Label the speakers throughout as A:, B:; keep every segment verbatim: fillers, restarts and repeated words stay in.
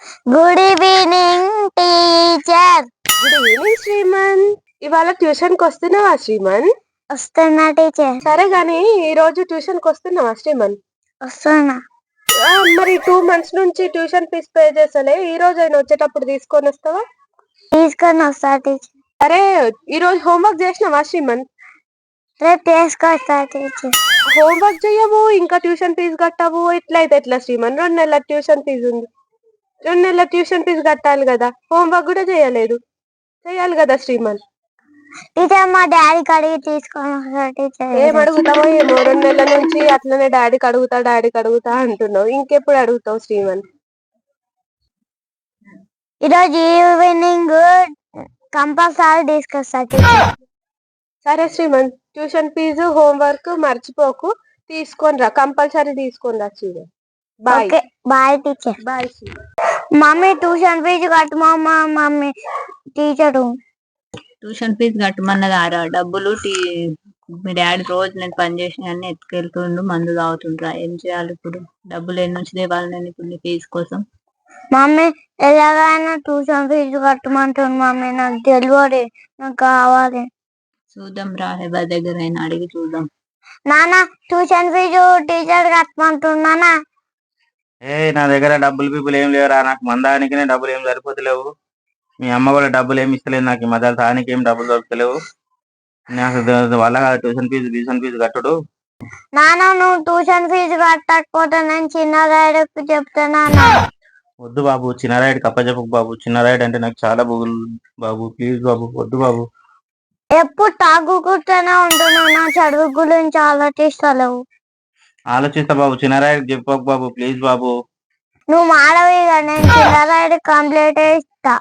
A: Good evening teacher.
B: Good evening Sriman. ఇవాళ tuition కి వస్తున్నావా శ్రీమన్?
A: వస్తున్నా టీచర్.
B: సరే గాని ఈ రోజు ట్యూషన్ కి వస్తున్నావా శ్రీమన్?
A: వస్తున్నా.
B: మరి టూ మంత్స్ నుంచి ట్యూషన్ ఫీజు పే చేసలే, ఈ రోజు అయినా వచ్చేటప్పుడు తీసుకొని వస్తావా?
A: తీసుకొని వస్తా టీచర్.
B: అరే ఈ రోజు హోంవర్క్ చేసినావా శ్రీమన్?
A: రేపు తీసుకొస్తా టీచర్.
B: హోంవర్క్ చెయ్యవు, ఇంకా ట్యూషన్ ఫీజు కట్టవు, ఇట్లయితే ఎట్లా శ్రీమన్? రెండు నెలల ట్యూషన్ ఫీజు ఉంది, రెండు నెలల ట్యూషన్ ఫీజు కట్టాలి కదా, హోంవర్క్ కూడా చేయలేదు, చేయాలి కదా శ్రీమన్.
A: టీచర్ మా డాడీకి అడిగి తీసుకొని వస్తా టీచర్.
B: ఏం అడుగుతావో ఏమో, రెండు నెలల నుంచి అట్లనే డాడీకి అడుగుతా డాడీకి అడుగుతా అంటున్నావు, ఇంకెప్పుడు అడుగుతావు శ్రీమన్?
A: ఈరోజు ఈవినింగ్ కంపల్సరీ తీసుకొస్తా టీచర్.
B: సరే శ్రీమన్, ట్యూషన్ ఫీజు హోంవర్క్ మర్చిపోకు, తీసుకొని రా, కంపల్సరీ తీసుకొని రా Sriman. Bye.
A: Bye teacher.
B: Bye Sriman.
A: Mummy tuition fee కట్టమమ్మా. మమ్మీ టీచరు
C: ట్యూషన్ ఫీజు కట్టమన్నది ఆరా డబ్బులు. టీ మీ డాడీ రోజు నేను పని చేసిన అన్ని ఎత్తుకెళ్తుండు, మందు తాగుతుండ్రా, ఏం చేయాలి ఇప్పుడు? డబ్బులు ఎన్ని నుంచి తేవాలి నేను ఇప్పుడు నీ ఫీజు కోసం?
A: మమ్మీ ఎలాగైనా ట్యూషన్ ఫీజు కట్టమంటుంది మమ్మీ, నాకు తెలియదు, నాకు కావాలి.
C: చూద్దాం రా, ఎవరి దగ్గర అయినా అడిగి చూద్దాం.
A: నాన్న ట్యూషన్ ఫీజు టీచర్ కట్టమంటున్నానా?
D: ఏ నా దగ్గర డబ్బులు పీపుల్ ఏం లేవురా, నాకు మందానికి డబ్బులు ఏం సరిపోతలేవు. మీ అమ్మ కూడా డబ్బులు ఏమి ఇస్తలేదు నాకు, ఈ మధ్య తానికి ఏం డబ్బులు దొరుకుతలేవు. నాకు వల్ల కాదు ట్యూషన్ ఫీజు ట్యూషన్ ఫీజు కట్టుడు.
A: నాన్న నువ్వు ట్యూషన్ ఫీజు కట్టకపోతే నేను చిన్న రైడ్కి చెప్తానా?
D: వద్దు బాబు, చిన్న రైడ్ కప్పచెప్పకు బాబు, చిన్న రైడ్ అంటే నాకు చాలా బుగులు బాబు, ప్లీజ్ బాబు, వద్దు బాబు.
A: ఎప్పుడు తాగుకుంటూనే ఉంటున్నావు, నా చదువు గురించి ఆలోచిస్తలేవు.
D: ఆలోచిస్తా బాబు, చిన్న రైడ్ చెప్పకు బాబు, ప్లీజ్ బాబు.
A: నువ్వు మాడవి, నేను చిన్న రైడ్ కంప్లీట్ ఇస్తా.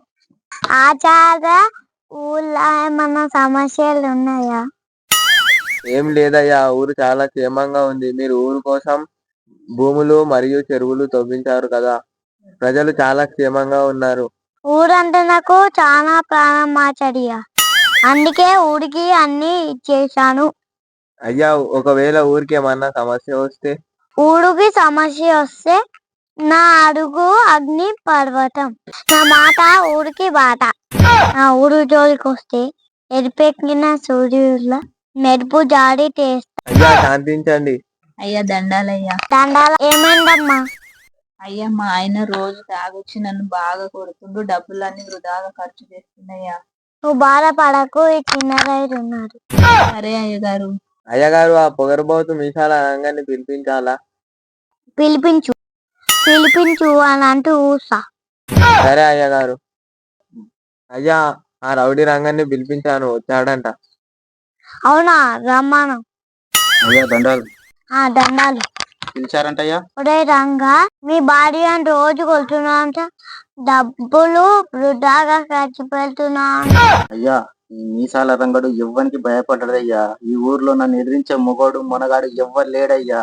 A: ఆచార్య ఊళ్ళో ఏమన్నా సమస్యలు ఉన్నాయా?
E: ఏం లేదయ్యా, ఊరు చాలా క్షేమంగా ఉంది. మీరు ఊరు కోసం భూములు మరియు చెరువులు తవ్వించారు కదా, ప్రజలు చాలా క్షేమంగా ఉన్నారు.
A: ఊరంటే నాకు చాలా ప్రాణం ఆచార్య, అందుకే ఊరికి అన్ని ఇచ్చేసాను.
E: అయ్యా, ఒకవేళ ఊరికి ఏమన్నా సమస్య వస్తే?
A: ఊరికి సమస్య వస్తే నా అడుగు అగ్ని పర్వతం, నా మాట ఊరికి బాట. నా ఊరు జోలికి వస్తే ఎరిపెక్కిన సూర్యుల మెరుపు జాడి చేస్తా.
E: అయ్యా శాంతించండి.
C: అయ్యా దండాలయ్యా.
A: దండాల ఏమైందమ్మా?
C: అయ్యా మా ఆయన రోజు తాగొచ్చి నన్ను బాగా కొడుతుండు, డబ్బులన్నీ వృధాగా ఖర్చు చేస్తున్నాయ్యా.
A: నువ్వు బాధపడకు, ఈ చిన్న రైలు ఉన్నారు.
C: సరే అయ్య గారు.
E: అయ్యగారు, ఆ పొగరబోతు మీసాల రంగాన్ని పిలిపించాలా?
A: పిలిపించు పిలిపించు అని అంటూ ఊసా.
E: సరే అయ్యగారు. అయ్యా, ఆ రౌడీ రంగాన్ని పిలిపించాను, వచ్చాడంట.
A: అవునా, రమ్మాను.
D: అయ్యా దండాలు.
A: ఆ దండాలు.
D: పిలిచారంటయ్యా.
A: ఒరే రంగా, మీ భార్య అని రోజు కొడుతున్నా అంట, డబ్బులు వృధాగా ఖర్చు పెడుతున్నా.
D: అయ్యా, ఈ మీసాల రంగడు ఎవ్వనికి భయపడ్డదయ్యా, ఈ ఊర్లో నన్ను ఎదిరించే మొగోడు మొనగాడు ఎవ్వరు లేడయ్యా.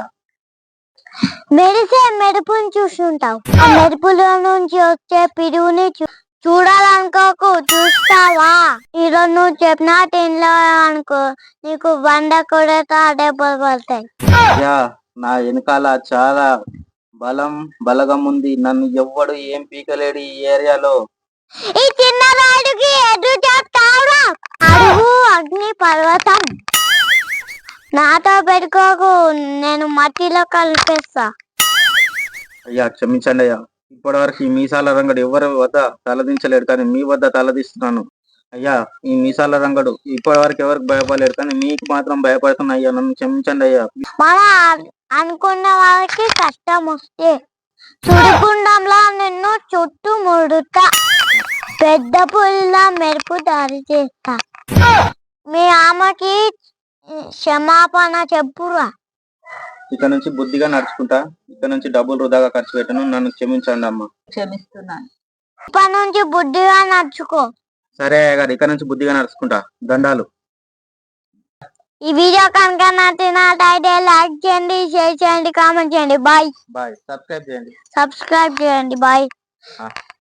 A: మెరిసే మెరుపుని చూస్తుంటావు, ఆ మెరుపుల నుంచి వచ్చే పిడుగుని చూడాలనుకోకు, చూస్తావా? ఈరోజు నువ్వు చెప్పిన తినలో అనుకో, నీకు వంద కొడతా డబ్బులు పడతాయి.
D: అయ్యా, నా వెనకాల చాలా బలం బలగం ఉంది, నన్ను ఎవ్వడు ఏం పీకలేడు ఈ ఏరియాలో.
A: ఈ చిన్న రాయుడికి ఎదురు చెప్తావురా? అడుగు అగ్ని పర్వతం, నాతో పెట్టుకోకు, నేను మట్టిలో కలిపేస్తా.
D: అయ్యా క్షమించండి అయ్యా, ఇప్పటి వరకు ఈ మీసాల రంగడు ఎవరి వద్ద తలదించలేడు, కానీ మీ వద్ద తలదిస్తున్నాను. అయ్యా, ఈ మీసాల రంగడు ఇప్పటి వరకు ఎవరికి భయపడలేడు, కానీ మీకు మాత్రం భయపడుతున్నా అయ్యా, నన్ను క్షమించండి అయ్యా.
A: మన అనుకున్న వాళ్ళకి కష్టం వస్తే సుడిగుండంలో నిన్ను చుట్టూ ముడుతా, పెద్ద పుల్ల మెరుపు దారి చేస్తా. మీ ఆమెకి క్షమాపణ చెప్పురా.
D: ఇక నుంచి బుద్ధిగా నడుచుకుంటా, ఇక నుంచి డబ్బులు వృధాగా ఖర్చు పెట్టను, నన్ను క్షమించండి అమ్మా.
C: క్షమిస్తున్నాను.
A: ఇప్పటి నుంచి బుద్ధిగా నడుచుకో.
D: సరే గారు, ఇక నుంచి బుద్ధిగా నడుచుకుంటా, దండాలు.
A: ఈ వీడియో కనుక నచ్చినట్లయితే లైక్ చేయండి, షేర్ చేయండి, కామెంట్ చేయండి. Bye
D: bye. సబ్స్క్రైబ్ చేయండి.
A: సబ్స్క్రైబ్ చేయండి. బాయ్.